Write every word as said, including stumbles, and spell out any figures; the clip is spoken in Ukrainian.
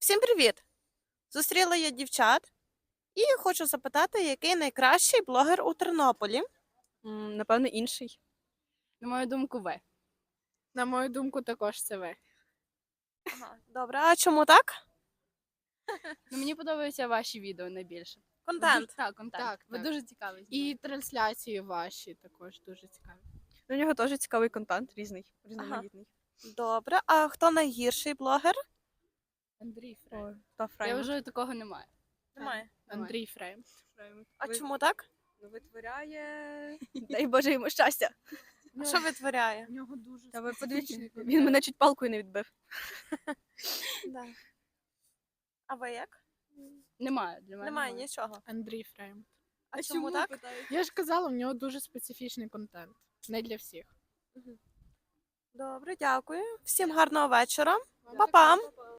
Всім привіт! Зустріла я дівчат і хочу запитати, який найкращий блогер у Тернополі. М, Напевно, інший. На мою думку, Ви. На мою думку, також це ви. Ага, добре, а чому так? Ну, мені подобаються ваші відео найбільше. Ви Контент. дуже- Так, контент. Так, Ви так. дуже цікаві. І трансляції ваші також дуже цікаві. У нього теж цікавий контент, різний, різноманітний. Добре, а хто найгірший блогер? Андрій Фрейм. О, та Я Фрейм. вважаю, такого немає. Немає. Немає. Андрій Фрейм. А Ви- чому так? Ну, витворяє. Дай Боже йому щастя. А що витворяє? У нього дуже Та ви подивіться, специфічний він мене чуть палкою не відбив. Да. А ви як? Немає. Для мене Немає нічого. Андрій Фрейм. А чому так? Я ж казала, у нього дуже специфічний контент. Не для всіх. Добре, дякую. Всім гарного вечора. Па-па!